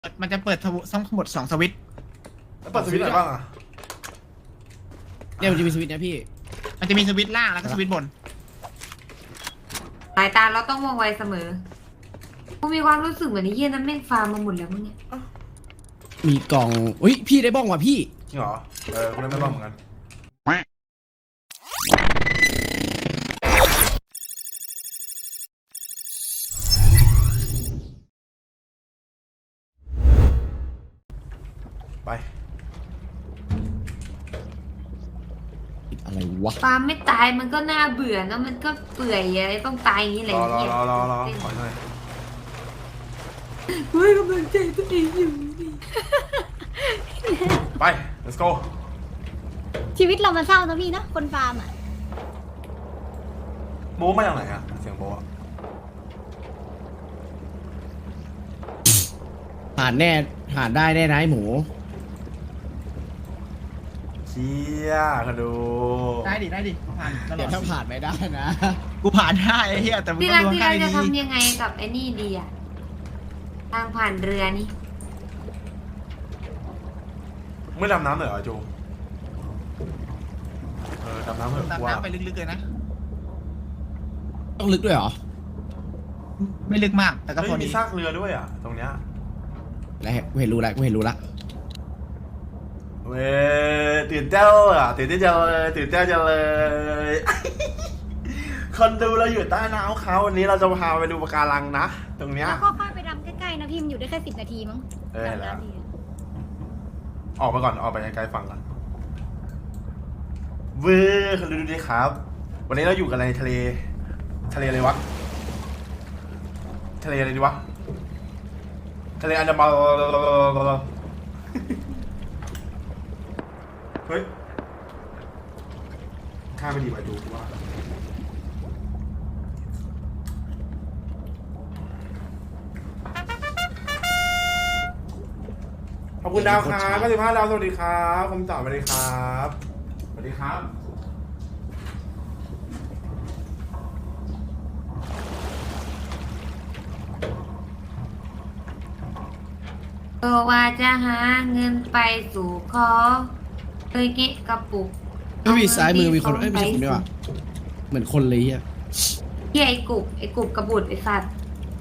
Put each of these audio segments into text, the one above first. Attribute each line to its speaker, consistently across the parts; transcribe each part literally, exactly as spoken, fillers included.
Speaker 1: มันจะเปิดทั้งหมดสองสวิตช์
Speaker 2: แล้วเปิดสวิตช์ไหนบ้างอ่ะ
Speaker 3: เนี่ยมันจะมีสวิตช์นะพี่
Speaker 1: มันจะมีสวิตช์ล่างแล้วก็สวิตช์บน
Speaker 4: สายตาเราต้องมองไวเสมอกูมีความรู้สึกเหมือนไอ้เหี้ยนั้นแม่งฟาร์มมาหมดแล้วมั้งเนี่ย
Speaker 3: มีกล่องอุ้ยพี่ได้บ้องว่ะพี่
Speaker 2: จริงเหรอเออกูได้ไม่บ้องเหมือนกันไป
Speaker 3: อะไรวะ
Speaker 4: ฟาร์มไม่ตายมันก็น่าเบื่อนะมันก็เปื่อยอะไรต้องตายอย่างนี้แหละ
Speaker 2: รอรอ
Speaker 4: เหี้ย
Speaker 2: รอรอรอขอหน่อย
Speaker 4: เฮ้ยกำลังใจตัวเองอยู่ดิ
Speaker 2: ไป let's go
Speaker 5: ชีวิตเรามันเศร้านะพี่นะคนฟาร์มอ่ะ
Speaker 2: โม้มาจากไหนอ่ะเสียงโม้อะ
Speaker 3: ผ่านแน่ผ่านได้แน่นะไอ้หมู
Speaker 2: เชี่ยกันดู
Speaker 1: ได้ดิได้ดิผ่านตล
Speaker 3: เดี๋
Speaker 1: อ
Speaker 3: ยว
Speaker 1: ด
Speaker 3: ถ้าผ่านไม่ได้นะ
Speaker 1: กูผ่านได้ไอ้เหี้ยแต่มึง
Speaker 4: พี่
Speaker 1: ต้
Speaker 4: รั
Speaker 1: อก งดู
Speaker 4: พี่
Speaker 1: ข้า
Speaker 4: รั
Speaker 1: ง
Speaker 4: กจะ
Speaker 1: ดี
Speaker 4: ทำยังไงกับไอ้นี่ดีอะทางผ่านเรือนี่
Speaker 2: ไม่ดำน้ำเลยเหรอจูเออดำน้ำเหรอ
Speaker 1: ดำ
Speaker 2: ว่า
Speaker 1: น้ำไปลึกๆเลยนะ
Speaker 3: ต้องลึกด้วยเหรอ
Speaker 1: ไม่ลึกมากแต่ก็
Speaker 2: เฮ้ย
Speaker 1: พอ
Speaker 2: มี
Speaker 1: ดี
Speaker 2: ซากเรือด้วยอ่ะตรงเนี้ย
Speaker 3: แล้วกูเห็นรู้แล้วกูเห็นรู้ละ
Speaker 2: เว้ยตื่นเต้นอ่ะตื่นเต้นจังเลยตื่นเต้นจังเลย คนดูเราอยู่ใต้น้ำเขาวันนี้เราจะพาไปดูปะการังนะตรงเนี้ย
Speaker 5: แล้วก็ค่อยไปดำใกล้ๆนะพี่มันอยู่ได้แค่สิบนาทีมั้ง
Speaker 2: เออ
Speaker 5: ดำ
Speaker 2: แล้ว
Speaker 5: น้ำดี
Speaker 2: ออกไปก่อนออกไปไกลๆฝั่งก่อนเว้ยคนดูดูดิครับ วันนี้เราอยู่กันในทะเลทะเลอะไรวะทะเลอะไรดีวะทะเลอันดามันเฮ้ยข้าไม่ดีไปดูว่าขอบคุณดาวครับก็สิบห้าดาวสวัสดีครับคำตอบสวัสดีครับสวัสดีครับ
Speaker 4: เออว่าจะหาเงินไปสู่ขอเลยเกะกระปุก
Speaker 3: เอ้ยมีซ้ายมือมีคนเอ้ยไม่ใช่คนด้วยว่ะเหมือนคนเลยอ่ะ
Speaker 4: เหี้ยไอ้กุบไอ้กุบกระบุดไอ้สัตว์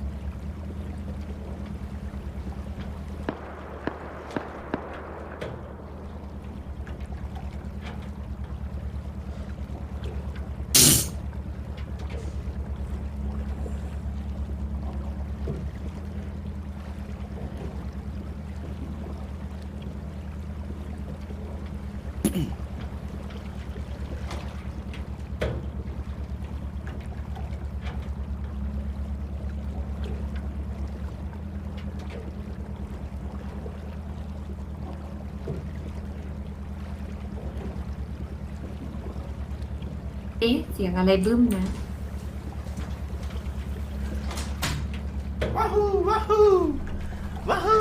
Speaker 4: เอ๊ะเสียงอะไรบึ้มนะ
Speaker 2: ว้าวว้าวว้าว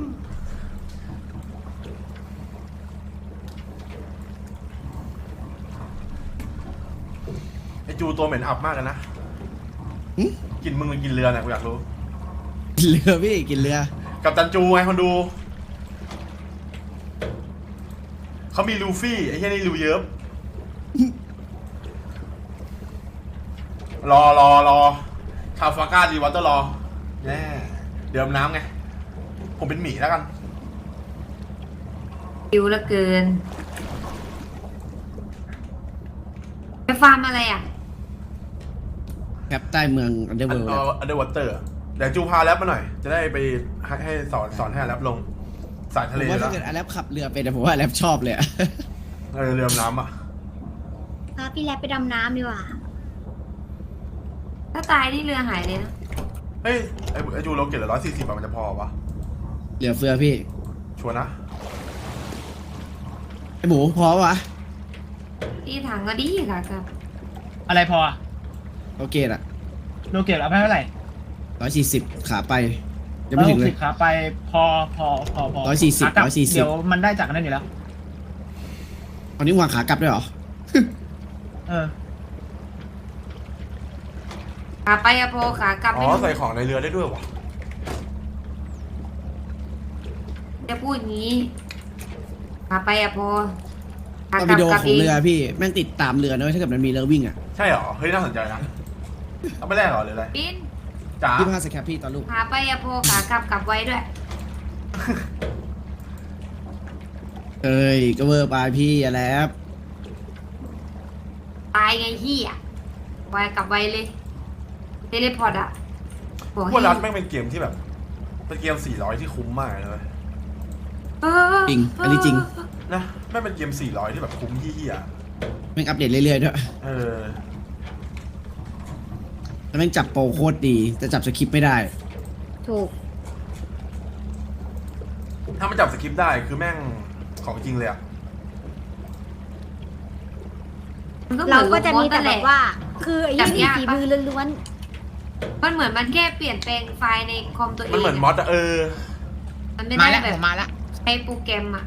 Speaker 2: ไอจูตัวเหม็นอับมากเลยนะ
Speaker 3: หึ
Speaker 2: กินมึงหรือกินเรือเนี่ยกูอยากรู้
Speaker 3: กินเรือพี่กินเรือ
Speaker 2: กับตันจูไงคนดูเขามีลูฟี่ไอ้เหี้ยนี่ลูเยิบรอรอรอคาฟาก้าดีวัตเตอร์รอแน่เดิมน้ำไงผมเป็นหมีแล้วกัน
Speaker 4: คิวเหลือเกินไปฟาร์มอะไรอ่ะ
Speaker 3: แคปใต้เมืองอันเดอร์
Speaker 2: อั
Speaker 3: เวิ
Speaker 2: น
Speaker 3: ลด์
Speaker 2: เอออันเดอร์วอเตอร์เดี๋ยวจูพาแรปมาหน่อย จะได้ไปให้ให้สอนสอนให้แรปลงสาย
Speaker 3: ผ
Speaker 2: ทะเล
Speaker 3: มว่า
Speaker 2: แล้
Speaker 3: ถ้าว เกิดอแลปขับเรือเป็นแต่ผมว่าอแลปชอบเลยอะ
Speaker 2: เออเรือดำน้ำอ่ะ
Speaker 5: พาพี่แลบไปดำน้ำดีกว่า
Speaker 4: ถ้าตายนี่เรือหายเลยนะ
Speaker 2: เฮ้ยไอไอจูเราเก็บเหลือร้อยสี่สิบมันจะพอปะ
Speaker 3: เหลือเฟือพี่
Speaker 2: ชัวร์นะ
Speaker 3: ไอหมูพอวะ
Speaker 4: ที่ถังก็ดีค่ะครับ
Speaker 1: อะไรพออะ
Speaker 3: โอเคอะ
Speaker 1: โลเกตเอาไปเท่าไหร่
Speaker 3: ร้อยสี่สิบขาไปยังไม่ถึงเล
Speaker 1: สิ
Speaker 3: ย
Speaker 1: บขาไปพอพอพอพอ
Speaker 3: ร้อยสี่สิบ
Speaker 1: ขากลั
Speaker 3: ร้อยสี่สิบ
Speaker 1: เดี๋ยวมันได้จากนั่นอยู่แล้ว
Speaker 3: ตอนนี้วางขากลับด้วยเหรอ
Speaker 1: เออ
Speaker 4: ขาไปอะโพขากลับ
Speaker 2: อ๋
Speaker 4: ไม่
Speaker 2: อ
Speaker 4: รู้
Speaker 2: ใส่ของในเรือได้ด้วยวะ
Speaker 4: จะพูดอย่างนี้ขาไปอะพอขา
Speaker 3: ตอน
Speaker 4: กลั
Speaker 3: วิดีโอ
Speaker 4: กลับ
Speaker 3: ขอ
Speaker 4: เอง ง
Speaker 3: เรือพี่แม่งติดตามเรือนะเว้ยถ้าเกิดมันมีเรือวิ่งอ่ะ
Speaker 2: ใช่เหรอเฮ้ยน่าสนใจนะเอาไม่แรกเหรอหรืออะไร
Speaker 4: บิน
Speaker 2: จ๋า
Speaker 3: พี่พาสแคปพี่ตอนลูก
Speaker 4: ขาไปอะพอขากลับกลับไว้ด้วย
Speaker 3: เอ้ยก็เวอร์ไปพี่อย่าแล้ว
Speaker 4: ตายไงที่อะไว้กลับไว้เลยเทเลพอร์ตอะบอก
Speaker 2: พวกรัดแม่งเป็นเกมที่แบบเป็นเกมสี่ร้อยที่คุ้มมากเลยเว้ย
Speaker 4: เออ
Speaker 3: จริงอันนี้จริง
Speaker 2: นะแม่งเป็นเกมสี่ร้อยที่แบบคุ้มเหี้ย
Speaker 3: แม่งอัปเดตเรื่อยๆด้วย
Speaker 2: ๆเออ
Speaker 3: แล้วแม่งจับโปรโคตรดีแต่จับสคริปต์ไม่ได้
Speaker 5: ถูก
Speaker 2: ถ้ามันจับสคริปต์ได้คือแม่งของจริงเลยอะ
Speaker 4: มันก็หมื
Speaker 5: เรา
Speaker 4: อน
Speaker 5: ก็จะมีแต่
Speaker 4: โล
Speaker 5: แบ
Speaker 4: โก้
Speaker 5: บว่า คือไอ้
Speaker 4: จับ
Speaker 5: ยี่
Speaker 4: ยาก
Speaker 5: ฝี
Speaker 4: ปะ
Speaker 5: มือล้วน
Speaker 4: มันเหมือนมันแค่เปลี่ยนแปลงไฟล์ในคอมตัวเอง
Speaker 2: มันเหมือนมอดอะเออ
Speaker 4: มันไม่
Speaker 1: มา
Speaker 4: ได้
Speaker 1: แล้ว
Speaker 4: แบ
Speaker 1: ผ
Speaker 4: บ
Speaker 1: มมาแล้ว
Speaker 4: ใช้โปรแกรมอะ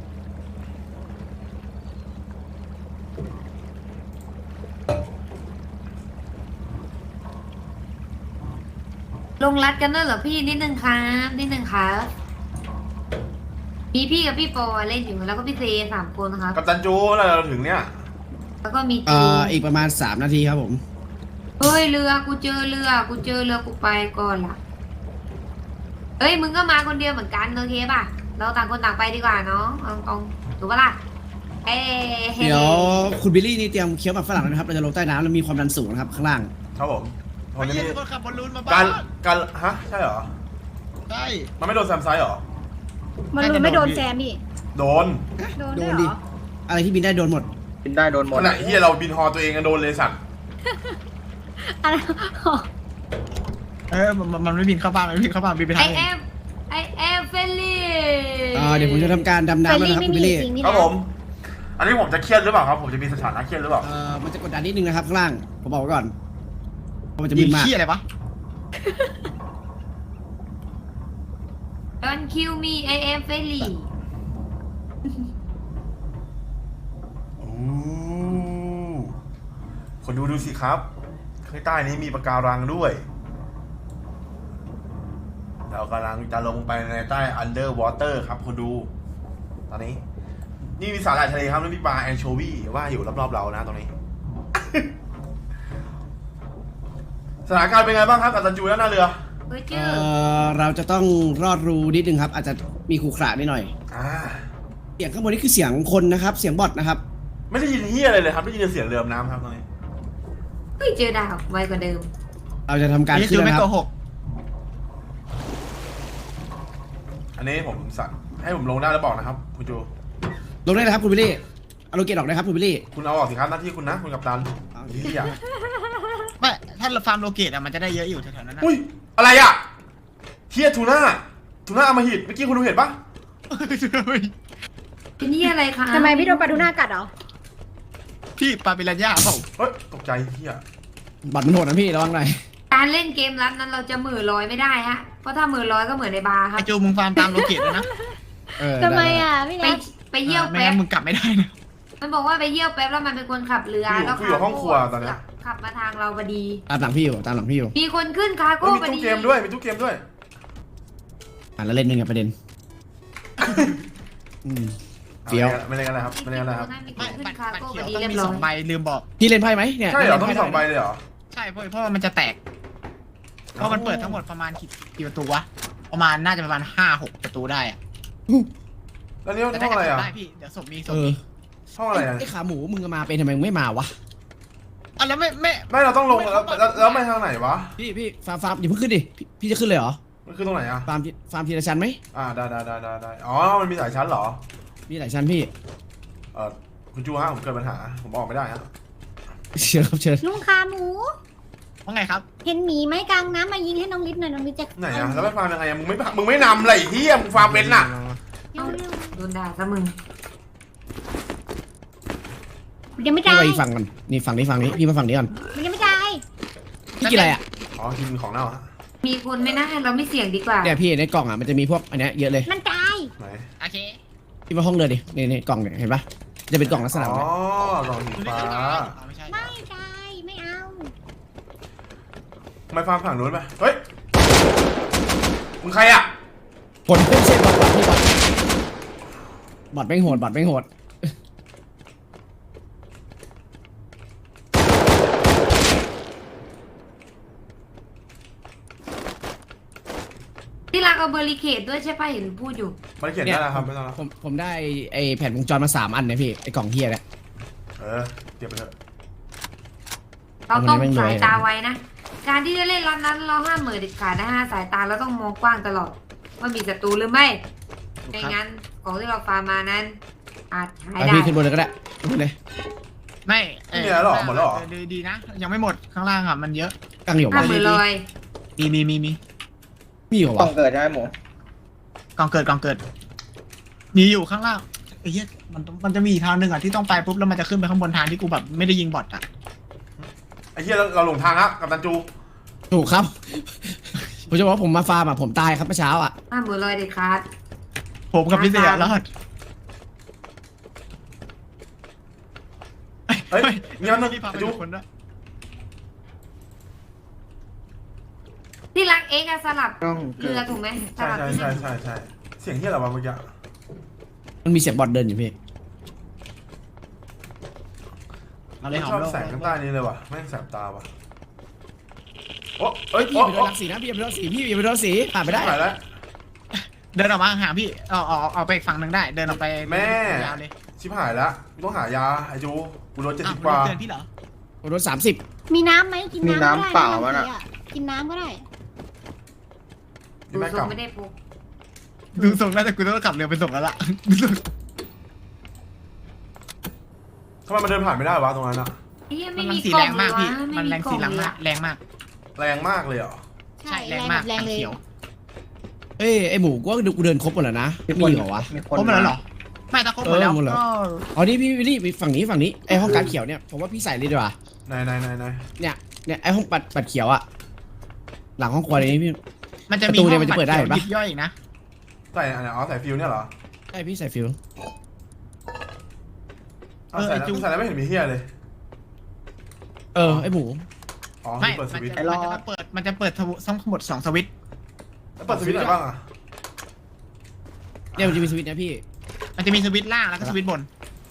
Speaker 4: ลงรัดกันด้วยเหรอพี่นิดนึงครับนิดนึงครับมีพี่กับพี่ปอเล่นอยู่แล้วก็พี่เซสามคนครับ
Speaker 2: กับตันจูแล้วเราถึงเนี่ย
Speaker 4: แล้วก็มี
Speaker 3: เอ่
Speaker 4: จู
Speaker 3: ออีกประมาณสามนาทีครับผม
Speaker 4: เฮ้ยเรือกูเจอเรือกูเจอเรือกูไปก่อนละเอ้ยมึงก็มาคนเดียวเหมือนกันโอเคป่ะเราต่างคนต่างไปดีกว่าเนาะเอาตรงถูกปะล่ะเอ้
Speaker 3: เดี๋ยวคุณบิลลี่นี่เตรียมเคี้ยวหมากฝรั่งนะครับเราจะลงใต้น้ำแล้วมีความดันสูงนะครับข้างล่าง
Speaker 2: ครับผมตอน
Speaker 1: ไม่
Speaker 2: นี้
Speaker 1: ใช่คนขับบอลลูนมาบ้า
Speaker 2: การการฮะใช่เหรอ
Speaker 1: ใช่
Speaker 2: มันไม่โดนแซมไซด์เหรอ
Speaker 5: ๆ มันรู้ไม่โดนแซมพี่
Speaker 2: โดน
Speaker 5: โดน
Speaker 3: โด
Speaker 5: ด้วย
Speaker 3: น
Speaker 5: เห
Speaker 3: ดิ
Speaker 5: รอ
Speaker 3: อะไรที่บินได้โดนหมด
Speaker 6: บินได้โดนหม
Speaker 2: ข
Speaker 6: ด
Speaker 2: ณะที่เราบินฮอตัวเองกันโดนเลยสัตว์
Speaker 5: อะไร
Speaker 1: เออมันมันไม่บินเข้าบ้านมันไม่บินเข้าบ้านบินไป
Speaker 4: ไอ
Speaker 1: ทาง
Speaker 4: แอ
Speaker 1: อื่น
Speaker 4: มไอแอมเฟลลี่
Speaker 3: อ่าเดี๋ยวผมจะทำการดำ
Speaker 5: เฟ
Speaker 3: น้ำ
Speaker 5: ร
Speaker 3: แล้ว
Speaker 5: ลี่
Speaker 3: นะครับ
Speaker 5: ไม่
Speaker 3: คุณ
Speaker 5: มี
Speaker 3: บิลลี่
Speaker 5: จริงนี่
Speaker 2: ครับ
Speaker 5: นะ
Speaker 2: ผม อันนี้ผมจะเครียดหรือเปล่าครับ ผมจะมีสถานะเครียดหรือเปล่า
Speaker 3: เอ่อมันจะกดดันนิดนึงนะครับข้างล่างผมบอกไว้ก่อนเพราะมันจะ
Speaker 1: บิ
Speaker 3: บิ
Speaker 1: น
Speaker 3: นมาก
Speaker 1: ขี้อะไรวะ
Speaker 4: ดอนคิวมีไอแอมเฟลลี่
Speaker 2: โอ้คนดูดูสิครับข้างใต้นี้มีปะการังด้วย เรากำลังจะลงไปในใต้ underwater ครับคนดู ตอนนี้ นี่มีสาหร่ายทะเลครับแล้วมีปลาแอนโชวีว่าอยู่รอบๆเรานะตรงนี้ สถานการณ์เป็นไงบ้างครับกับตันจูและหน้าเรือ
Speaker 4: เฮ้ยเจ
Speaker 3: เอ่
Speaker 4: อ
Speaker 3: อเราจะต้องรอดรูนิดนึงครับ อาจจะมีขรุขระนิดหน่อย
Speaker 2: อ่า
Speaker 3: เสียงข้างบนนี่คือเสียงคนนะครับ เสียงบอทนะครับ
Speaker 2: ไม่ได้ยินเฮียอะไรเลยครับได้ยินแต่เสียงเรือน้ำครับตอนนี้
Speaker 4: เฮ้ยเจอดาวไวกว่าเดิม
Speaker 3: เราจะทำการ
Speaker 1: นี่
Speaker 3: ขึ้
Speaker 1: จู
Speaker 3: น
Speaker 1: ไม่
Speaker 3: นะค
Speaker 1: โก
Speaker 3: รับ
Speaker 1: หก
Speaker 2: อันนี้ผมสั่งให้ผมลงได้แล้วบอกนะครับคุณจู
Speaker 3: ลงได้เลยครับคุณบิลลี่เอาโลเกตออกนะครับคุณบิลลี่
Speaker 2: คุณเอาออกสิครับหน้าที่คุณนะคุณกัปตันเฮีย
Speaker 1: ไม่ถ้าเราฟาร์มโลเกตอะมันจะได้เยอะอยู่แถวๆนั้นนะ
Speaker 2: อุ้ยอะไรอ่ะเฮียทูน่าทูน่าอมหิตเมื่อกี้คุณดูเห็นปะ
Speaker 4: เป็นนี่อะไรคะ
Speaker 5: ทำไมพี่โดนปลาทูน่ากัดเหรอ
Speaker 1: พี่ปาปิรัญญาเปล่า
Speaker 2: เฮ้ยตกใจเฮีย
Speaker 3: บอทมันโหดนะพี่ระวังหน่อย
Speaker 4: การเล่นเกมรัดนั้นเราจะหมื่นลอยไม่ได้ฮะเพราะถ้าหมื่นลอยก็เหมือนในบาร์ค
Speaker 1: ไอ
Speaker 4: รับ
Speaker 1: จูมึงฟาร์มตามโลเกตเลยนะ
Speaker 3: เออ
Speaker 5: ทำไม
Speaker 3: ด้
Speaker 5: อ่ะพี่
Speaker 4: ไป
Speaker 5: นัท
Speaker 4: ไปเยี่ยว
Speaker 1: ไม่
Speaker 4: แป๊
Speaker 1: งั้
Speaker 4: บ
Speaker 1: นมึงกลับไม่ได้นะ
Speaker 4: มันบอกว่าไปเยี่ยวแป๊บแล้วมันเป็นคนขับเรือ
Speaker 2: กูอยู่
Speaker 4: แล้ว
Speaker 2: กูอยู่ห้องครัวตอนเนี้ย
Speaker 4: ขับมาทางเราพอดี
Speaker 3: ตามหลังพี่อยู่ตามหลังพี่อยู่
Speaker 4: มีคนขึ้นคาร์
Speaker 2: เฮ้
Speaker 4: โก้
Speaker 2: ยมี
Speaker 4: พอ
Speaker 2: ตู้
Speaker 4: ดี
Speaker 2: เกมด้วยมีตู้เกมด้วย
Speaker 3: อ่านแล้วเล่นหนึ่งอะประเด็นอืม เฟี้ยว
Speaker 2: ไม่เล่นกันแล้วครับไม่เล่นกันแล้วครับ
Speaker 4: มีค
Speaker 1: ไม่
Speaker 4: นขึ้
Speaker 1: บัต
Speaker 4: น
Speaker 1: ร
Speaker 4: คาร์
Speaker 1: บัตร
Speaker 4: โก้
Speaker 1: เขี
Speaker 4: พ
Speaker 1: ยว
Speaker 4: อดี
Speaker 1: ต้อง
Speaker 4: เรีย
Speaker 1: มี
Speaker 4: บร้
Speaker 1: ส
Speaker 4: อ
Speaker 1: อย งใบลืมบอก
Speaker 3: พี่เล่นไพ่ไหมเนี่ย
Speaker 2: ใช่เหรอต้อง
Speaker 3: ล่
Speaker 2: มี
Speaker 3: น
Speaker 2: ส
Speaker 3: ไพ่
Speaker 2: องใบ
Speaker 3: ได้
Speaker 2: เลยเหรอ
Speaker 1: ใช่เพราะเพราะว่ามันจะแตก เพราะมันเปิดทั้งหมดประมาณกี่กี่ประตูวะ ประมาณน่าจะประมาณห้าหกประตูได้อะ
Speaker 2: แล้วนี่
Speaker 1: แต่
Speaker 2: ห้
Speaker 1: ถ้า
Speaker 2: องอะไร
Speaker 1: เกิด
Speaker 2: อ่ะ
Speaker 1: ได้พี่ เดี๋ยวศพมีศ
Speaker 3: เอ
Speaker 1: พ
Speaker 3: อ
Speaker 1: มี
Speaker 2: ห้องอะไรอ่ะ
Speaker 3: ไอ้ขาหมูมึงมาเป็นทำไมมึงไม่มาวะ
Speaker 1: อ่ะแล้วไม่ไม่
Speaker 2: ไม่เราต้องลงแล้วแล้วแล้วไม่ทางไหนวะ
Speaker 3: พี่พี่ฟาร์มฟาร์มอย่าเพิ่งขึ้นดิพี่พี่จะขึ้นเลยเหรอ
Speaker 2: มันคือตรงไหนอ่ะ
Speaker 3: ฟาร์มที่ฟาร์มทีละชั้นไหม
Speaker 2: อ่าได้ได้ได้ได้ได้อ๋อมันมีหลายชั้นเหรอ
Speaker 3: มีหลายชั้นพี่
Speaker 2: เออคุณจูฮะผมเกิดปัญหาผมออกไม่ได้ฮะ
Speaker 3: เชิญครับเชิญ
Speaker 5: ลุงขาหมู
Speaker 1: ว่าไงครับ
Speaker 5: เห็นหมีไหมกลางน้ำมายิงให้น้องลิศหน่อยน้องลิศจะ
Speaker 2: ไหนอ่ะแล้วไม่ฟาร์มยังไงอ่ะมึงไม่มึงไม่นำอะไรเฮียมึงฟาร์มเป็นน่ะ
Speaker 5: เร็ว
Speaker 4: โดนด่าซะมึง
Speaker 5: ๆยังไม่
Speaker 3: พี่
Speaker 5: ตาย
Speaker 3: ไปอีกฝั่งก่อนนี่ฝั่งนี้ฝั่งนี้พี่มาฝั่งนี้ก่อน
Speaker 5: มันยังไม่ตาย
Speaker 3: พี่กินอะไรอ่ะ
Speaker 2: อ๋อกินของเน่าฮะ
Speaker 4: มีคนไม่น่าเราไม่เสี่ยงดีกว่า
Speaker 3: เนี่ยพี่ในกล่องอ่ะมันจะมีพวกอันเนี้ยเยอะเลย
Speaker 5: มันตาย
Speaker 2: ไหน
Speaker 1: โอเค
Speaker 3: พี่มาห้องเรือดินี่นี่กล่องเนี่ยเห็นปะจะเป็นกล่องลักษณะ
Speaker 2: อ๋
Speaker 3: แบบ
Speaker 2: อ
Speaker 3: เนี้ย
Speaker 2: กล่องสีฟ้า
Speaker 1: อ๋อไม่ใช่
Speaker 5: ไม่ตายไม่เอา
Speaker 2: ไม่ฟาร์มฝั่งนู้นไปเฮ้ยมึงใครอ่ะ
Speaker 3: ผลไม่ใช่บอทบอทพี่บอทบอดไม่งโหดบอดไม่งโหด
Speaker 4: ที่รักเอาเบอร์ริเคดด้วยใช่ป่ะเห็นพูดอยู่
Speaker 2: มันเขียนได้แล้วครับไม่ต้องแล้ว
Speaker 3: ผมผมได้ไอแผ่นวงจรมาสามอันเนี่ยพี่ไอกล่องเฮียเนี่ย
Speaker 2: เออเตรียมไปเถอะ
Speaker 4: เราต้อง
Speaker 3: เอามันไม่รวย
Speaker 4: สายตาไว้นะ การที่จะเล่นรอบนั้นเราห้ามเหม่อเด็ดขาดนะฮะสายตาเราต้องมองกว้างตลอดว่ามีศัตรูหรือไม่ไม่งั้นของที่เราฟาร์มมานั้น อาจหาย
Speaker 3: ไป
Speaker 4: ได้
Speaker 3: พี่ขึ้นบนเลยก็ได้ขึ้นเลย
Speaker 1: ไม่
Speaker 2: ไม่มีอะไรหรอหมดแล้วหรอ
Speaker 1: ดีดีนะ ยังไม่หมดข้างล่างอ่ะมันเยอะ
Speaker 3: ตั้งอยู่
Speaker 4: ห้าม
Speaker 3: วะ
Speaker 4: เหม่อลอย
Speaker 1: มีมีมีมี
Speaker 3: มีอยู่
Speaker 6: ต้
Speaker 3: วะ
Speaker 6: องเกิดใช่ไหมหมู
Speaker 1: กองเกิดกองเกิด มีอยู่ข้างล่างไอ้เหี้ยมันต้องมันจะมีอีกทางหนึ่งอ่ะที่ต้องไปปุ๊บแล้วมันจะขึ้นไปข้างบนทางที่กูแบบไม่ได้ยิงบอทอ่ะ
Speaker 2: ไอ้เหี้ยเราเราหลงทางครับกับตันจู
Speaker 3: ถูกครับ ผมจะบอกว่าผมมาฟาร์มอ่ะผมตายครับเมื่อเช้าอ่ะ
Speaker 4: ห้ามเหม่อลอยเด็ดขาด
Speaker 1: ผมกับพี่เสียรอด
Speaker 2: เฮ้ยเงี้ยนึง
Speaker 1: พี่พาไป
Speaker 2: ไอ้จู
Speaker 1: ดูคนด้วย
Speaker 4: ที่รักเอ็กซ์อะสลับ
Speaker 6: ต้อง
Speaker 4: เรือถูกไหมส
Speaker 2: ใช่
Speaker 4: ลับ
Speaker 2: ใช่
Speaker 4: ที่
Speaker 2: ใช่
Speaker 4: นั่น
Speaker 2: ใช่ใช่เสียงเหี้ยอะไรวะเมื่อกี้
Speaker 3: มันมีเสียงบอดเดินอยู่พี่
Speaker 1: เอาเลยหอ
Speaker 2: ช
Speaker 1: ม
Speaker 2: อบ
Speaker 1: โลก
Speaker 2: แสงข้างใต้นี้เลยว่ะแม่งแสบตาว่ะโอ้เอ้ย
Speaker 3: พี่
Speaker 2: โอ้
Speaker 3: ไปโด
Speaker 2: โอ้
Speaker 3: นรังสีนะพี่ไปโดนสีพี่ไปโดนสีผ่านไปได้
Speaker 2: หายแล้ว
Speaker 1: เดินออกมาห่างๆพี่เอาเอาเอาไปอีกฝั่งหนึ่งได้ เดินออกไป
Speaker 2: แม่
Speaker 1: ยาวเลย
Speaker 2: ชิบหายแล้วกูต้องหายาไอ้จูกูโดนเจ็ด
Speaker 1: อ้า
Speaker 2: สิ
Speaker 1: ว
Speaker 2: บกว่า
Speaker 1: เดินพี่เหรอ
Speaker 3: ผมโดนสามสิบ
Speaker 5: มีน้ำไหมกิน
Speaker 6: มี
Speaker 5: น้ำก็ได้
Speaker 6: น้ำเปล่า
Speaker 5: นะ
Speaker 6: วะน่ะ
Speaker 5: บางทีอะกินน้ำก็ได้
Speaker 2: นี่
Speaker 4: ดู
Speaker 2: แม่
Speaker 4: ท
Speaker 2: ก
Speaker 4: ร
Speaker 2: ลั
Speaker 4: ง
Speaker 2: บ
Speaker 4: ไม่ได้พก
Speaker 1: ดูส่งแล้วแต่กูต้องกลับเรือไปส่งแล้วล่ะ
Speaker 2: ทำไมมันเดินผ่านไม่ได้วะตรงนั้นอะ
Speaker 4: เฮ้ย
Speaker 1: มั
Speaker 4: ไม่
Speaker 1: น
Speaker 4: มี
Speaker 1: สี
Speaker 4: กล่
Speaker 1: แร
Speaker 4: อง
Speaker 1: ง
Speaker 4: เล
Speaker 1: มาก
Speaker 4: ยวะ
Speaker 1: พี่
Speaker 4: ไม่
Speaker 1: มัน
Speaker 4: มี
Speaker 1: แรง
Speaker 4: กล่อ
Speaker 1: สี
Speaker 4: ง
Speaker 1: แรง
Speaker 4: เลย
Speaker 1: มาก
Speaker 4: อะ
Speaker 1: แรงมาก
Speaker 2: แรงมากเลยเหรอ
Speaker 5: ใช่
Speaker 1: แร
Speaker 5: แรง ง
Speaker 1: มาก
Speaker 5: แรงเลย
Speaker 1: เขียว
Speaker 3: เอ้ยไอหมูกูว่ากูเดินครบหมดแล้วนะไม่มีเหรอวะ
Speaker 6: มีคน
Speaker 1: ครบหมดแล้วเหรอ ไม่ถ้าครบหมดแล้ว
Speaker 3: เออหมดแล้ว
Speaker 1: ก็
Speaker 3: อ๋อนี่พี่นี่ฝั่งนี้ฝั่งนี้ไอห้องการเขียวเนี่ยผมว่าพี่ใส่เลยดีกว่า
Speaker 2: ไหนไหนไหนไหน
Speaker 3: เนี่ยเนี่ยไอห้องปัดปัดเขียวอะหลังห้องครัวนี้พี่
Speaker 1: มันจะมี
Speaker 3: ประตู
Speaker 1: ห้
Speaker 3: เนี่
Speaker 1: อย ง
Speaker 3: มันจะเปิดได้
Speaker 1: บัตร
Speaker 3: ปะ
Speaker 1: เขียวยิบย่อยอีกนะ
Speaker 2: ใส่อันไหนอ๋อใส่ฟิวเนี่ยเหรอ
Speaker 3: ใช่พี่ใส่ฟิล
Speaker 2: เอาใส่แล้วใส่แล้วไม่เห็นมีเฮียเลย
Speaker 3: เออไอหมู
Speaker 2: อ๋อ
Speaker 1: ไม่
Speaker 2: เปิดส
Speaker 1: มัน
Speaker 2: วิตช์
Speaker 1: จะมันจะเปิดมันจะเปิดทั้งหมดสองสวิตช์
Speaker 2: แล้วเปิดสวิตช์ไหนบ้างอะ
Speaker 3: เนี่ยมันจะมีสวิตช์นะพี่
Speaker 1: มันจะมีสวิตช์ล่างแล้วก็สวิตช์บน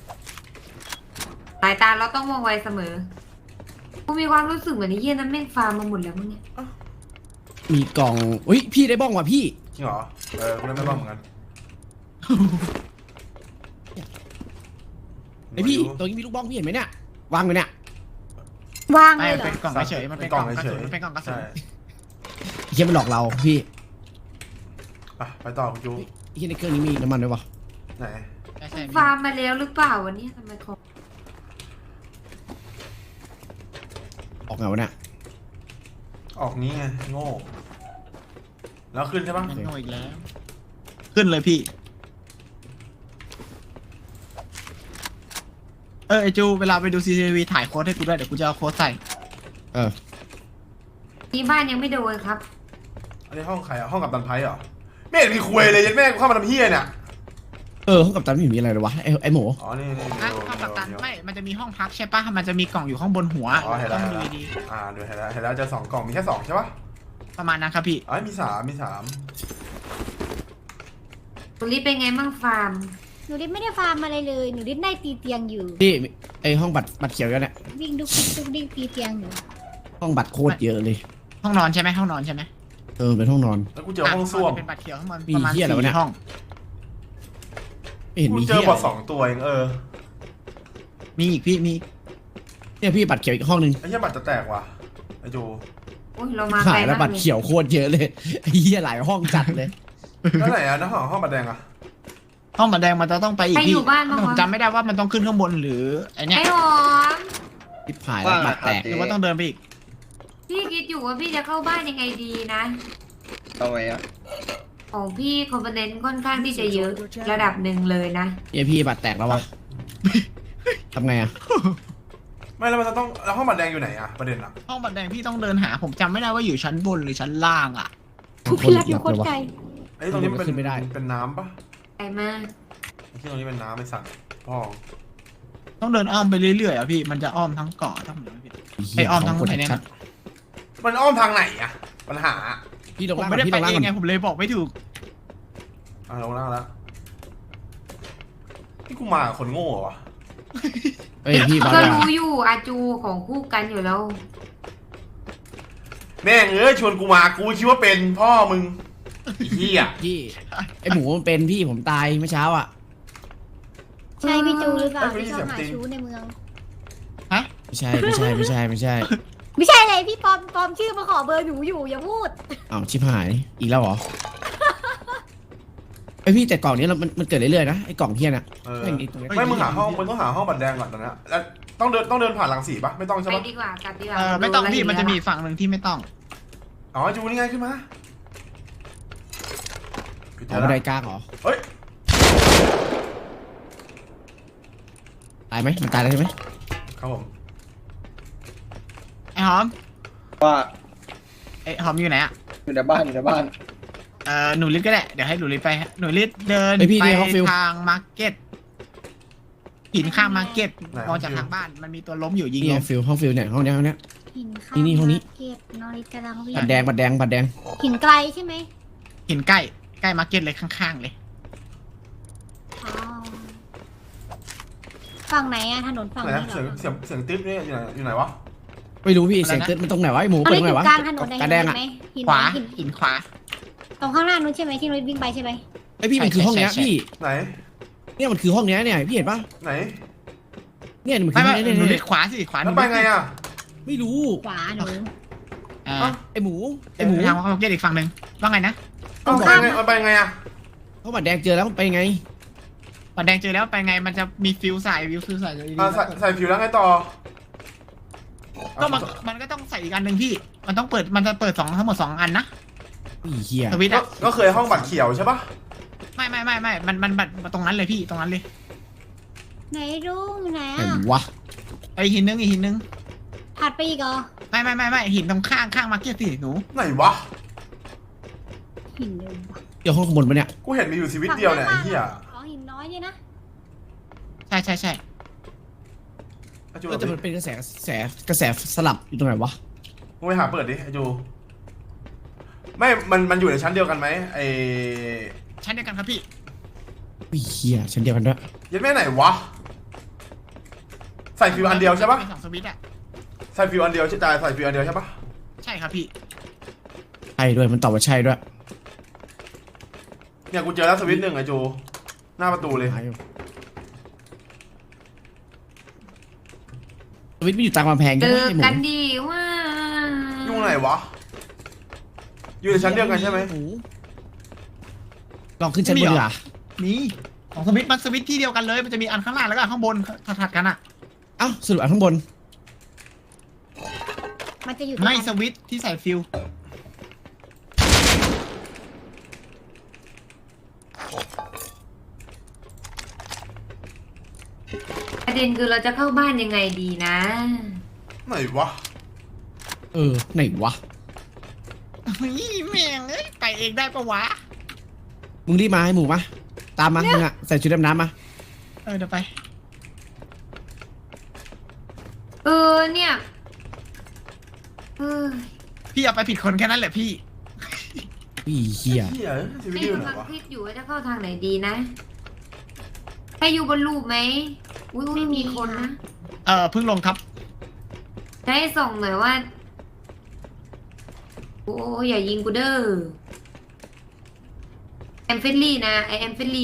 Speaker 4: สายตาเราต้องมองไวเสมอกูมีความรู้สึกเหมือนไอ้เหี้ยนั้นแม่งฟาร์มมาหมดแล้วมั้งเนี่ย
Speaker 3: มีกล่องอุ้ยพี่ได้บ้องว่ะพี่
Speaker 2: จริงเหรอเออกูเล่นไม่บ้างเหมือนกัน
Speaker 3: ไอพี่ตรงนี้มีลูกบ้องพี่เห็นไหมเนี่ยวางไว้เนี่ย
Speaker 5: ว่าง
Speaker 1: ไม่
Speaker 5: เลยเหร
Speaker 1: เป็น
Speaker 5: อก
Speaker 1: ล่องเฉยๆมันเป็นกล่องกระสุนมันเป็นกล่องกระสุน
Speaker 2: ใช่
Speaker 3: ไอ้เฮียมันหลอกเราพี่
Speaker 2: อ่ะไปต่อคุณจู
Speaker 3: ไอ้เฮียในเครื่องนี้มีน้ำมันด้วยวะ
Speaker 2: ไหน
Speaker 1: ใช่ใช่
Speaker 4: ฟาร์มมาแล้วหรือเปล่าวันนี้ทำไมของ
Speaker 3: ออกไงวะเนี่ย
Speaker 2: ออกนี้ไงโง่แล้วขึ้นใช่ปะ
Speaker 1: มันโง่อีกแล้ว ขึ้นเลยพี่ เออไอจูเวลาไปดูซีซีทีวีถ่ายโค้ดให้กูด้วยเดี๋ยวกูจะเอาโค้ดใส่
Speaker 3: เออ
Speaker 4: ที่บ้านยังไม่โดนครับ
Speaker 2: อันนี้ห้องใครอ่ะห้องกับตันไพ่เหรอไม่เห็นมีคุยเลยยันแม่กูเข้ามาทำเฮียเนี่ย
Speaker 3: เออห้องกับตันไม่เห็นมีอะไรเลยวะไอไอหมู
Speaker 2: อ๋อนี่นี่
Speaker 1: อ่ะ
Speaker 2: เดี๋ยว
Speaker 1: ห้องกัปตัน
Speaker 2: เดี๋ยว
Speaker 1: ไม่ มันจะมีห้องพักใช่ปะมันจะมีกล่องอยู่ข้างบนหัว
Speaker 2: อ๋อเห็นแล้ว
Speaker 1: ต้อง
Speaker 2: เห็น
Speaker 1: ดู
Speaker 2: แล้ว
Speaker 1: ดี
Speaker 2: อ่าดูเห็นแล้วเห็นแล้วเจะสองกล่องมีแค่สองใช่ปะ
Speaker 1: ๆประมาณนั้นครับพี่
Speaker 2: อ๋อมีสามมีสาม
Speaker 4: ตุลิเป็นไงบ้างฟาร์ม
Speaker 5: หนูดิดไม่ได้ฟาร์มอะไรเลย หนูดิดได้ตีเตียงอยู่
Speaker 3: พี่ไอห้องบัตรบัตรเขียวกันเนี่ย
Speaker 5: วิ่งดุกดิกดุกดิกตีเตียงอยู่
Speaker 3: ห้องบัตรโคตรเยอะเลย
Speaker 1: ห้องนอนใช่ไหมห้องนอนใช่ไหม
Speaker 3: เออเป็นห้องนอน
Speaker 2: แล้วกูเจอห้องส้วม
Speaker 1: เป็นบัตรเขียวข้างบน
Speaker 3: มี
Speaker 1: ประมาณ
Speaker 3: เหี้ยอะไรวะเนี่ย
Speaker 1: สี่ห้อง
Speaker 3: ไม่เห็น
Speaker 2: กู
Speaker 3: มี
Speaker 2: เจ
Speaker 3: เฮี
Speaker 2: อย บอทสองตัวเองเออ
Speaker 1: มีอีกพี่มี
Speaker 3: เนี่ยพี่บัตรเขียวอีกห้องนึง
Speaker 2: ไอ้เหี้ยบัตรจะแตกว่ะไอ้จู
Speaker 4: โอ้ยเรามาไกล
Speaker 3: ขายแล้ว
Speaker 4: มาก
Speaker 3: บัตร
Speaker 4: เลย
Speaker 3: เขียวโคตรเยอะเลยไอ้เหี้ยหลายห้องจัดเลย
Speaker 2: แล้วไหนอ่ะน้าห้องห้องบัตรแดงอ่ะ
Speaker 1: ห้องบัตรแดงมันจะต้องไปอีก
Speaker 4: ใครอ
Speaker 1: พี่
Speaker 4: ยู่บ้านบ้าง
Speaker 1: ผม
Speaker 4: วะ
Speaker 1: จำไม่ได้ว่ามันต้องขึ้นข้างบนหรือไอเนี้ย
Speaker 4: ไอ้หอม
Speaker 3: ทิพหายแล้วบัตรแตก
Speaker 1: หรือว่าต้องเดินไปอีก
Speaker 4: พี่คิดอยู่ว่าพี่จะเข้าบ้านยังไงดีนะ
Speaker 6: เอาไว้อะ
Speaker 4: ของพี่คอมโพเนนต์ค่อนข้างที่จะเยอะระดับหนึ่งเลยนะ
Speaker 3: เหี้ยพี่บัตรแตกแล้ววะทำไงอะ
Speaker 2: ไม่แล้วมันจะต้องแล้วห้องบัตรแดงอยู่ไหนอ่ะประเด็นอ่ะ
Speaker 1: ห้องบัตรแดงพี่ต้องเดินหา ผมจำไม่ได้ว่าอยู่ชั้นบนหรือชั้นล่างอ่ะ
Speaker 5: ทุกพี่รักอยู่โคตรไกล
Speaker 2: ไอ้ตรงนี้มันเป็น
Speaker 3: ขึ้นไม่ได้
Speaker 2: เป็นน้ำปะ
Speaker 4: ไกลมาก
Speaker 2: ไอ้ที่ตรงนี้เป็นน้ำไอ้สัตว์พ่อ
Speaker 1: ต้องเดินอ้อมไปเรื่อยๆอ่ะพี่มันจะอ้อมทั้งเกาะทั้งเหนือพี่
Speaker 3: เหี้ย
Speaker 1: ไอ้อ้อมทั้ง
Speaker 3: ขกด
Speaker 1: ไอ้เนี่ย
Speaker 3: ชัด
Speaker 2: มันอ้อมทางไหนอ่ะปัญหา
Speaker 3: พี่ลง
Speaker 1: ผม
Speaker 3: ล่าง
Speaker 1: ไม่ได้
Speaker 3: พี่
Speaker 1: ไป
Speaker 3: ลงล่าง
Speaker 1: เองไง
Speaker 3: ก่อน
Speaker 1: ผมเลยบอกไม่ถูก
Speaker 2: อ่ะลงล่างแล้วที่กูมากับคนโง่เหรอวะ
Speaker 3: เอ้ยพี่บาง
Speaker 4: ก็
Speaker 3: อย่าง
Speaker 4: รู้อยู่อาจูของคู่กันอยู่แล้ว
Speaker 2: แม่งเอ้ยชวนกูมากูคิดว่าเป็นพ่อมึงไอ้เหี้ย
Speaker 3: พี่ไอหมูมันเป็นพี่ผมตายเมื่อเช้าอ่ะ
Speaker 5: ใช่พี่จูหรือเปล่า
Speaker 2: เอ้ย
Speaker 5: ที่ชอบหา
Speaker 2: ไม่ได้เสียง
Speaker 5: ชู้ในเมือง
Speaker 3: ไม่ใช่ไม่ใช่ไม่ใช่ไม่ใช่
Speaker 5: ไม่ใช่เลยพี่ปลอมปลอมชื่อมาขอเบอร์หนูอยู่อย่าพูด
Speaker 3: อ้าวชิบหายอีกแล้วเหรอไอพี่แต่กล่องนี้เรามันมันเกิดเรื่อยๆนะไอกล่องเทียนอ่ะ
Speaker 2: เออ
Speaker 3: แม่งไอ้ตรงนี้
Speaker 2: ไม่มึงหาห้องมึงต้องหาห้องบัตรแดงก่อนตอนนี้แล้วต้องเดินต้องเดินผ่านหลังสีปะไม่ต้องใช่
Speaker 4: ไป
Speaker 2: ปะ
Speaker 4: ดีกว่ากลับดีกว่า
Speaker 1: เออไม่ต้อง
Speaker 4: ดู
Speaker 1: พี่
Speaker 4: แล้ว
Speaker 1: มันจะมีอีกฝั่งหนึ่งที่ไม่ต้อง
Speaker 2: อ๋อจูนี่ไงขึ้นมาปิด
Speaker 3: อ๋อ
Speaker 2: แล้
Speaker 3: บั
Speaker 2: วน
Speaker 3: ไดกลางเหรอ
Speaker 2: เฮ้ย
Speaker 3: ตายไหมมันตายแล้วใช่ไหม
Speaker 2: ครับผม
Speaker 1: ไอ้หอม
Speaker 6: ว่า
Speaker 1: ไอ้หอมอยู่ไหนอ่ะ
Speaker 6: อยู่ในบ้านอยู่ในบ้าน
Speaker 1: เออหนูลิศก็ได้เดี๋ยวให้หนูลิศไปหนูลิศเดิน
Speaker 3: ไอพี่
Speaker 1: ไป
Speaker 3: นี่เขาฟิล
Speaker 1: ทางมาร์เก็ตหินข้างมาร์เก็ตมองจากทางบ้านมันมีตัวล้มอยู่ยิง
Speaker 3: นี่
Speaker 1: ล้
Speaker 3: ไง
Speaker 1: ม
Speaker 3: ฟิลห้องฟิลเนี่ยห้องเนี้ยห้องเนี้ย
Speaker 5: หินข้าง
Speaker 3: นี่นี่ห้องนี้
Speaker 5: มาร์เก็ตนอริสกำลังวิ่ง
Speaker 3: บัตรแดงบัตรแดงบัตรแดง
Speaker 5: หินไกลใช่ไหม
Speaker 1: หินใกล้ใกล้มาร์เก็ตเลยข้างๆเลย
Speaker 5: อ๋อฝั่งไหนอะถนนฝั่ง
Speaker 2: ไหน
Speaker 5: นี้
Speaker 2: นะ
Speaker 5: เหร
Speaker 2: เสียง
Speaker 5: อ
Speaker 2: เสียงเสียงติ๊บนี่อยู่ไหนอยู่ไหนวะ
Speaker 3: ไม่รู้พี่เสียงเตือนมันตรงไหนวะไอหมู
Speaker 5: อัน
Speaker 3: เปิด
Speaker 5: นี้
Speaker 3: ตรง
Speaker 5: อ
Speaker 3: ไหน
Speaker 5: ยู่
Speaker 3: วะ
Speaker 5: กลางถนน
Speaker 3: กระแดงอ่ะ
Speaker 5: ไหมหิน
Speaker 1: ขวา
Speaker 5: หิน
Speaker 1: หินขวา
Speaker 5: ตรงข้างหน้านู้นใช่ไหมที่นุ้ยวิ่งไปใช่ไหม
Speaker 3: ไอพี่มันคือห้องเนี้ย
Speaker 1: ใช่ใช่
Speaker 3: พี่
Speaker 2: ไหน
Speaker 3: เนี่ยมันคือห้องเนี้ยเนี่ยพี่เห็นปะ
Speaker 2: ไหน
Speaker 3: เนี่ยมันคื
Speaker 1: ไม่
Speaker 3: อห้
Speaker 1: ไม่
Speaker 3: องเนี้ย
Speaker 1: หนู
Speaker 3: เนี่ย
Speaker 1: ลิศขวาสิขวาห
Speaker 2: แล้
Speaker 1: นู
Speaker 2: วไปไงอ่ะ
Speaker 3: ไม่รู้
Speaker 5: ขวาหนู
Speaker 1: อ่า
Speaker 2: เอ้า
Speaker 3: ไอหมูไอ
Speaker 1: ไอ้
Speaker 3: ห
Speaker 1: ห
Speaker 3: มู
Speaker 1: มูทางมาร์เก็ตอีกฝั่งหนึ่งว่าไงนะ
Speaker 2: เอาไปไงเอาไปไงอ่ะ
Speaker 3: เขาบัตรแดงเจอแล้วมันไปไง
Speaker 1: ปัดแดงเจอแล้วไปไงมันจะมีฟิวใส่ฟิวฟิวใส่เลย
Speaker 2: อ่ะใส่ใส่ผิวแล้วไงต่อ
Speaker 1: ก็มันมันก็ต้องใส่อีกอันหนึ่งพี่ มันต้องเปิดมันจะเปิดสองทั้งหมดสองอันนะ
Speaker 3: อีเหี้ย
Speaker 1: สวิตช์
Speaker 2: ก็
Speaker 1: อะ
Speaker 2: ก็เคยห้องบัตรเขียวใช่ปะ
Speaker 1: ไม่ไม่ไม่ไม่มันมันแบบตรงนั้นเลยพี่ตรงนั้นเลย
Speaker 5: ไหนรุ่งไหน
Speaker 3: ไหน
Speaker 5: อะ
Speaker 3: วะ
Speaker 1: ไอหินนึงอีกหินนึง
Speaker 5: ถัดไปอีกเหรอ
Speaker 1: ไม่ไม่ไม่ไม่หินตรงข้างข้างมาร์เก็ตสิหนู
Speaker 2: ไหนวะ
Speaker 5: หินเดิมวะ
Speaker 3: เดี๋ยวห้องข้างบนปะเนี่ย
Speaker 2: กูเห็นมีอยู่ชีวิตเดียวเนี่ยไอ้เหี้ย
Speaker 5: อ๋อหินน้อยเนี่ยนะ
Speaker 1: ใช่ใช่ใช่
Speaker 2: ไอ้จู
Speaker 3: ก็จะมันเป็นกระแสกระแสกระแสสลับอยู่ตรงไหนวะ
Speaker 2: มึงไปหาเปิดดิไอ้จูไม่ มันมันอยู่ในชั้นเดียวกันไหมไอ้
Speaker 1: ชั้นเดียวกันครับพี่
Speaker 3: อีเหี้ยชั้นเดียวกันด้วย
Speaker 2: ยัดแม่ไหนวะใส่ฟิวอันเดียวใช่ปะ
Speaker 1: เป็นสองสวิตช์อะ
Speaker 2: ใส่ฟิวอันเดียวใช่จ่ายใส่ฟิวอันเดียวใช่ปะ
Speaker 1: ใช่ครับพี่
Speaker 3: ใช่ด้วยมันตอบว่าใช่ด้วย
Speaker 2: เนี่ยกูเจอแล้วสวิตช์หนึ่งไอ้จูหน้าประตูเลย
Speaker 3: หายอยู่สวิตช์ไม่อยู่ตามกำแพง
Speaker 4: เจ
Speaker 3: ใช่ไหม
Speaker 4: อ
Speaker 3: ไอหมู
Speaker 4: กันดีว่า
Speaker 2: อยู่ไหนวะอยู่ในชั้นเดียวกันใช่ไหม
Speaker 3: หลองขึ้นชั้นบนดีกว่า
Speaker 1: นี่ของสวิตช์มันสวิตช์ที่เดียวกันเลยมันจะมีอันข้างล่างแล้วก็อันข้างบนถัดๆกันอะ
Speaker 3: เอ้าสรุปอันข้างบน
Speaker 5: มันจะอยู่
Speaker 1: ไม่
Speaker 5: ตรง
Speaker 1: สวิตช์ที่ใส่ฟิว
Speaker 4: ประเด็นคือเราจะเข้าบ้านยังไงดีนะ
Speaker 2: ไหนวะ
Speaker 3: เออไหนวะ
Speaker 1: นี่แม่งเอ้ยไปเองได้ปะวะ
Speaker 3: มึงรีบมาให้หมูมาตามมามึงอะใส่ชุดดำน้ำมา
Speaker 1: เออเดี๋ยวไป
Speaker 4: เออเนี่ยเออ
Speaker 1: พี่เอาไปผิดคนแค่นั้นแหละพี่
Speaker 3: อีเหี้ย
Speaker 2: เหี้ยสวิตช์
Speaker 4: ให้
Speaker 2: อยู่ไหน
Speaker 4: กำลัง
Speaker 2: วะ
Speaker 4: คิดอยู่ว่าจะเข้าทางไหนดีนะให้อยู่บนรูปไหมอุ้ยอุ้ยมีคนนะ
Speaker 1: เออเพิ่งลงครับ
Speaker 4: จะให้ส่งหน่อยว่าโอ้ยอย่ายิงกูเด้อแอมเฟลลี่นะไอแอมเฟลลี่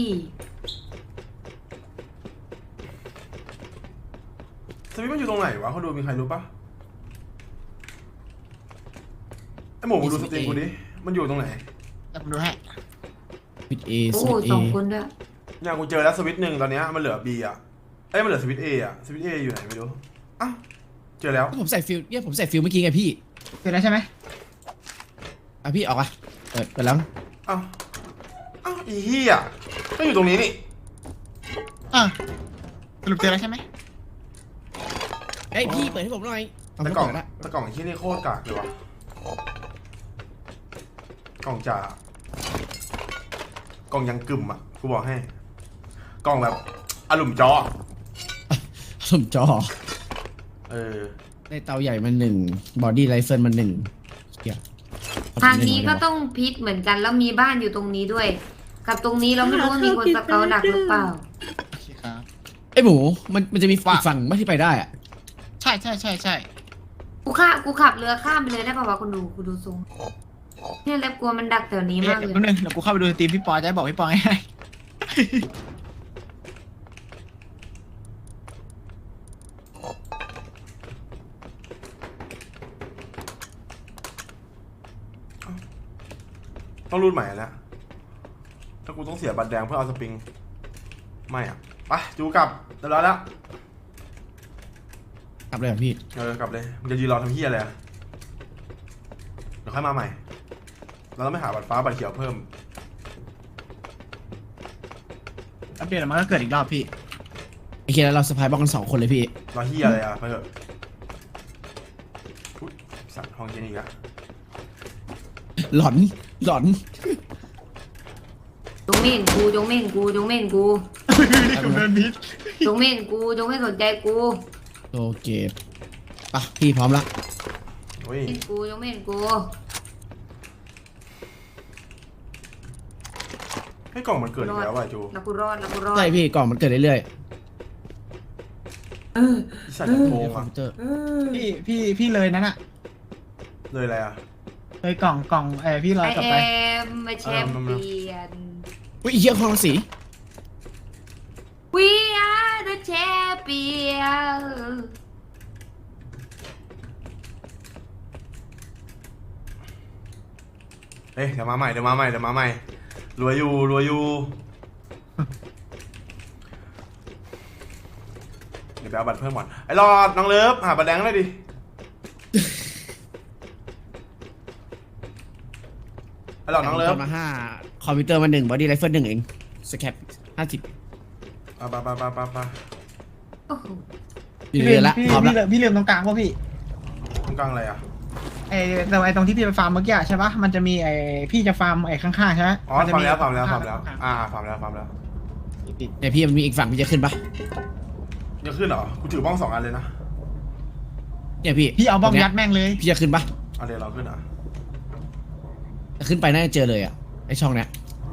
Speaker 2: สวิตช์มันอยู่ตรงไหนวะเขาดูมีใครรู้ปะไอ้หมูมึงดูสตรีมกูดิมันอยู่ตรงไหน
Speaker 1: เดี๋ยวผมดูให้
Speaker 3: วิดเอส
Speaker 4: โอ้
Speaker 3: วิดเอ
Speaker 4: สองคนด้วย
Speaker 2: เนี่ยกูเจอแล้วสวิตช์หนึ่งตอนเนี้ยมันเหลือ B อ่ะเอ้ยมันเหลือสวิตช์ A อ่ะสวิตช์ A อยู่ไหนไม่รู้อ้าวเจอแล้ว
Speaker 3: ผมใส่ฟิลเนี่ยผมใส่ฟิลเมื่อกี้ไงพี่
Speaker 1: เสร็จแล้วใช่ไหม
Speaker 3: อ่ะพี่ออกอ่ะเปิดเปิดแล้ว
Speaker 2: อ้าวอ้าวอีเหี้ยก็อยู่ตรงนี้นี่
Speaker 1: เออสรุปเจอแล้วใช่ไหม
Speaker 3: เอ้ยพี่เปิดให้ผมหน่อยเอา
Speaker 2: แต่
Speaker 3: ไม่
Speaker 2: กล่อง
Speaker 3: เปิดละ
Speaker 2: แต่กล่องไอ้ที่นี่โคตรกากเลยวะกล่องจ่ากล่องยังกึ่มอ่ะกูบอกให้ กล่องแบบอลุ่มจอ
Speaker 3: สมจอ
Speaker 2: เออ
Speaker 3: ได้เตาใหญ่มาหนึ่งบอดี้ไรเฟิลมาหนึ่งเหี้ย
Speaker 4: ทางนี้ก็ต้องพิษเหมือนกันแล้วมีบ้านอยู่ตรงนี้ด้วย กับตรงนี้เราไม่รู้ว่ามีคนสเกาดักหรือเปล่า
Speaker 1: โอเคครับ
Speaker 3: ไอ้หมูมันมันจะมีอีกฝั่งไม่ที่ไปได้อะ
Speaker 1: ใช่ใช่ใช่ใช่
Speaker 4: กูข้ากูขับเรือข้ามไปเลยได้ป่าวะคุณดูกูดูทรงเนี่ยแล้วกลัวมันดักแถวนี้
Speaker 1: เอ๊ะ
Speaker 4: มากเลย
Speaker 1: แป๊บนึงเดี๋ยวกูเข้าไปดูสตรีมพี่ปอจะได้บอกพี่ปอง่าย
Speaker 2: ต้องรูดใหม่แล้วถ้ากูต้องเสียบัตรแดงเพื่อเอาสปริงไม่อ่ะไปจูกลับเรียบร้อยแล้ว
Speaker 3: กลับเลยเหรอพี่
Speaker 2: เออกลับเลยมึงจะยืนรอทำเฮียอะไรอะเดี๋ยวค่อยมาใหม่เราต้องไปหาบัตรฟ้าบัตรเขียวเพิ่ม
Speaker 1: ๆอัปเดตแล้วมันก็เกิดอีกรอบพี่
Speaker 3: ไอ้เคียแล้วเราสะพายบล็อกกันสองคนเลยพี่
Speaker 2: รอเฮียอะไรอ่ะไปเถอะอุ๊ยสัตว์ห้องเจนี่อีกอะ
Speaker 3: หลอนหลอน
Speaker 4: จงไม่เห็นกูจงไม่เห็นกูจงไม่เห็นกู
Speaker 1: กูเดินพิษ
Speaker 4: จงไม่เห็นกูจงไม่สนใจกู
Speaker 3: โอเคปะพี่พร้อมละ
Speaker 2: โอ้ย
Speaker 4: เห็นกูจงไม่เห็นกู
Speaker 2: ให้กล่องมันเกิดอีกแล้วว่ะจู
Speaker 4: แล้วกูรอดแล้วกูรอด
Speaker 3: ใช่พี่กล่องมันเกิดเรื่อย
Speaker 4: เออ
Speaker 2: อีสัตว์จะโก
Speaker 3: ๆ
Speaker 2: ง
Speaker 3: คอม
Speaker 2: อ่ะ
Speaker 3: พิวเตอร์
Speaker 4: เออ
Speaker 1: พี่พี่พี่เลยนั่นอะ
Speaker 2: เลยอะไรอ่ะ
Speaker 1: เลยกล่องกล่องเออพี่ลอย
Speaker 4: ไอก
Speaker 1: ลับ
Speaker 4: เอ
Speaker 1: ไป
Speaker 4: มมาแชมเปี้ยน
Speaker 3: อุ้ยไอ้เหี้ยคลองสี
Speaker 4: We are the champion
Speaker 2: เอ้ยเดี๋ยวมาใหม่เดี๋ยวมาใหม่เดี๋ยวมาใหม่รวยอยู่รวยอยู่เดี๋ยวไปเอาบัตรเพิ่มก่อนไอ้รอดน้องเลิฟหาบัตรแดงเลยดิไอ้รอดน้องเลิฟ
Speaker 3: มาห้าคอมพิวเตอร์มาหนึ่งบอดี้ไรเฟิลหนึ่งเองสแคปห้าสิบ
Speaker 2: ไปไปไปไปไป
Speaker 4: โอ้โห
Speaker 3: อยู่
Speaker 1: พี่
Speaker 3: เรือ
Speaker 1: ลืม
Speaker 3: ละ
Speaker 1: พี่
Speaker 3: พร้อม
Speaker 1: พี่
Speaker 3: ละ
Speaker 1: ลืมพี่ลืมตรงกลางป่ะพี่
Speaker 2: ตรงกลางอะไรอ่ะ
Speaker 1: ไอ้แต่ไอ้ตรงที่พี่ไปฟาร์มเมื่อกี้ใช่ปะมันจะมีไอ้พี่จะฟาร์มไอ้ข้างๆใช่ไหม
Speaker 2: อ๋อ
Speaker 1: มันจะ
Speaker 2: ฟาร์มแล้วฟาร์มแล้วฟาร์มแล้ว
Speaker 1: ข้งๆ
Speaker 2: อ่าฟาร์มแล้วฟาร์มแล้ว
Speaker 3: เนี่ยพี่มันมีอีกฝั่งพี่จะขึ้นปะ
Speaker 2: จะขึ้นเหรอกูถือบ้องสองอันเลยนะ
Speaker 3: เนี่ยพี่
Speaker 1: พี่เอาบ้องยัดแม่งเลย
Speaker 3: พี่จะขึ้นปะ
Speaker 2: อันเดียวเราขึ้นอ่ะ
Speaker 3: จะขึ้นไปน่าจะเจอเลยอ่ะไอช่องเนี้ย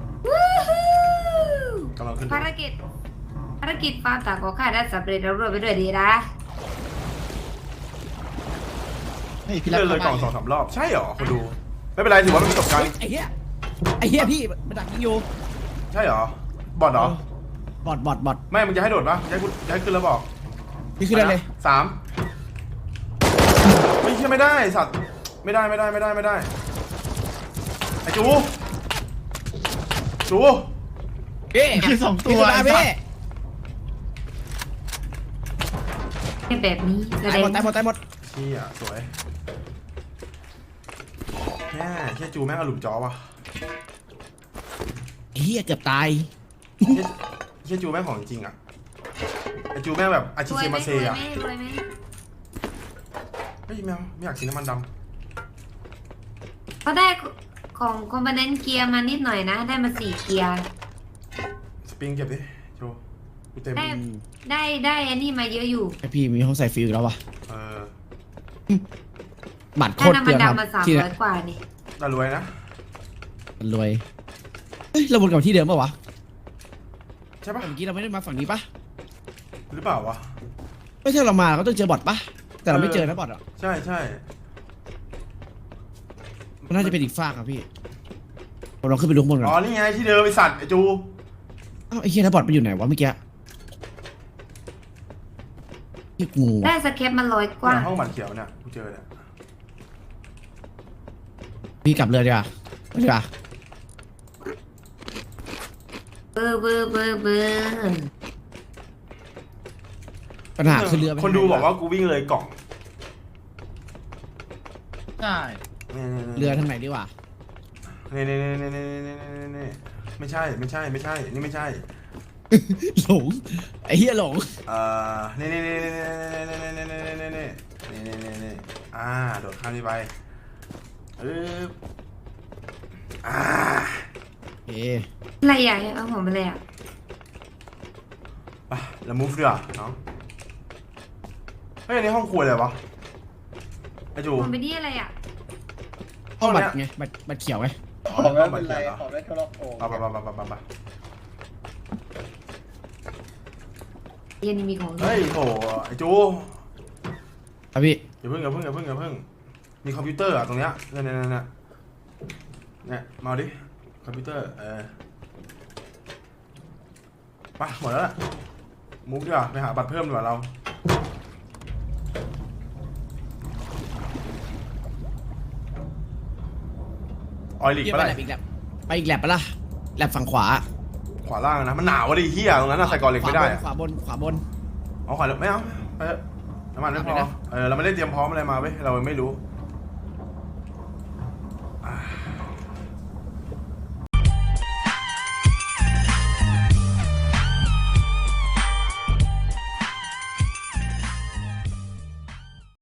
Speaker 2: กำลังขึ้น
Speaker 4: ภารกิจภารกิจฟาร์มต่างของข้าได้สำเร็จแล้วรวดไปด้วยดีนะ
Speaker 1: เฮ้ยพี่รัก
Speaker 2: เล่นเลยกล่องส
Speaker 1: ข้า
Speaker 2: อง
Speaker 1: ไป
Speaker 2: สามรอบใช่เหรอคนดูไม่เป็นไรถือว่าเป็นประสบการณ์
Speaker 3: ไอ้เหี้ยไอ้เหี้ยพี่มันดักยิงอยู่
Speaker 2: ใช่เหรอ บอดเหรอ
Speaker 3: บอดบอดบอด
Speaker 2: ไม่ มึงจะให้โดดปะจะให้กูจะให้ขึ้นแล้วบอก
Speaker 3: พี่ขึ้นได้เลย
Speaker 2: สามไม่ใช่ไม่ได้สัตว์ ไม่ได้ไม่ได้ไม่ได้ไม่ได้ ไอจู จู
Speaker 3: พี่
Speaker 1: พี่สองตัว
Speaker 3: พี่ขึ้นมาพี่
Speaker 4: ให้แบบนี้แส
Speaker 3: ตาย
Speaker 4: ด
Speaker 3: หม
Speaker 4: ง
Speaker 3: ดตายหมดตายหมด
Speaker 2: เชี่ยสวยแค่แค่จูแม่งอารมณ์จอวะ
Speaker 3: ไอ้เหี้ยเกือบตาย
Speaker 2: แค่แค่จูแม่งของจริงอะไอจูแม่งแบบอาชิ
Speaker 4: รว
Speaker 2: เซ
Speaker 4: ยไหม
Speaker 2: มาเซ
Speaker 4: รวย
Speaker 2: อะ
Speaker 4: ไหมรวยไหม
Speaker 2: เฮ้ยแมวไม่อยากกินน้ำมันด
Speaker 4: เขาได้ของคอมโพเนนต์เกียร์มานิดหน่อยนะ ได้มาสี่เกียร์
Speaker 2: ำสปริงเก็บดิจูกูเต็ม
Speaker 4: ได้ได้ได้อันนี้มาเยอะอยู่
Speaker 3: ไอพี่มีห้องใส่ฟิลอีกแล้ววะ
Speaker 2: เออ
Speaker 3: บัตรโค
Speaker 4: ได้
Speaker 3: ตรเปลื
Speaker 4: น้ำ
Speaker 3: อ
Speaker 4: มัน
Speaker 3: งครับ
Speaker 4: ดำมาสาม
Speaker 3: ที่
Speaker 4: ร้
Speaker 3: เนี่
Speaker 4: อย ยกว่านี่
Speaker 2: แต่รวยนะ
Speaker 3: มันรวยเฮ้ยเราวนกลับมาที่เดิมปะวะ
Speaker 2: ใช่ปะ
Speaker 3: เมื่อกี้เราไม่ได้มาฝั่งนี้ปะ
Speaker 2: หรือเปล่าวะ
Speaker 3: ไม่ใช่เรามาเราก็ต้องเจอบอทปะแต่เราไม่เจอนะบอทอ่ะ
Speaker 2: ใช่ใช่
Speaker 3: มันน่าจะเป็นอีกฝากอะพี่ผมลองขึ้นไปดูข้างบนก่
Speaker 2: อ๋อ
Speaker 3: อน
Speaker 2: นี่ไงที่เดิมไอสัตว์ไอจู
Speaker 3: อ้าวไอ้เหี้ยแล้วบอทไปอยู่ไหนวะเมื่อกี้พี่งู
Speaker 4: ได้
Speaker 3: อะ
Speaker 4: สแคปมาร้อยกว่า
Speaker 2: เนี่ยห้องบัตรเขียวเนี่ยกูเจอเนี่ย
Speaker 3: พี่กลับเรือดีกว่าไปดีกว่า
Speaker 4: เบอร์เบอร์เบอร์เบอร์
Speaker 3: ปัญหาคือเรือไป
Speaker 2: คนดูบอกว่ากูวิ่งเลยกล่อง
Speaker 1: ใช่
Speaker 3: เรือทางไหนดีวะ
Speaker 2: นี่นี่นี่นี่นี่นี่นี่ไม่ใช่ไม่ใช่ไม่ใช่นี่ไม่ใช่
Speaker 3: หลงไอ้เหี้ยหลง
Speaker 2: เอ่อนี่นี่นี่นี่นี่นี่นี่นี่นี่นี่นี่นี่นี่อ่าโดดข้ามนี่ไปเอออ่า
Speaker 3: เอ๊ะ
Speaker 4: อะไรอ่ะเอาผมไปเลยอ่ะ
Speaker 2: ไปแล้วมูฟดีกว่าน้องเฮ้ยอันนี้ห้องครัวเลยวะไอจู
Speaker 4: ผมไปที่อะไรอ่ะ
Speaker 3: ห้องบัตรไงบัตรบัตรเขียวไง
Speaker 2: ห้องบัตรเขียวเหรอไปไปไปไปไปไป
Speaker 4: เยันนี่มีของ
Speaker 2: เฮ้ยโหไอ้จู
Speaker 3: ครับพี่
Speaker 2: อย่าเพิ่งอย่าเพิ่งอย่าเพิ่งอย่าเพิ่งมีคอมพิวเตอร์อะตรงเนี้ยเนี่ยเนี่ยเนี่ยเนี่ยมาดิคอมพิวเตอร์เออไปหมดแล้วล่ะมุกดีกว่าไปหาบัตรเพิ่มดีกว่าเราออยลิก
Speaker 3: พี่
Speaker 2: ไป
Speaker 3: ไป
Speaker 2: ไห
Speaker 3: แล
Speaker 2: น
Speaker 3: บอีกแลบไปอีกแลบปะล่ะแลบฝั่งขวา
Speaker 2: ขวาล่างนะมันหนาวอะดิเฮียตรงนั้นอะใส่กอเหล็กไม่ได้อะ
Speaker 3: ขวาบนขวาบน
Speaker 2: เอาขวาเหล็กไม่เอาไปเถอะน้ำมันไม่พอเออเราไม่ได้เตรียมพร้อมอะไรมาเว้ยเราไม่รู้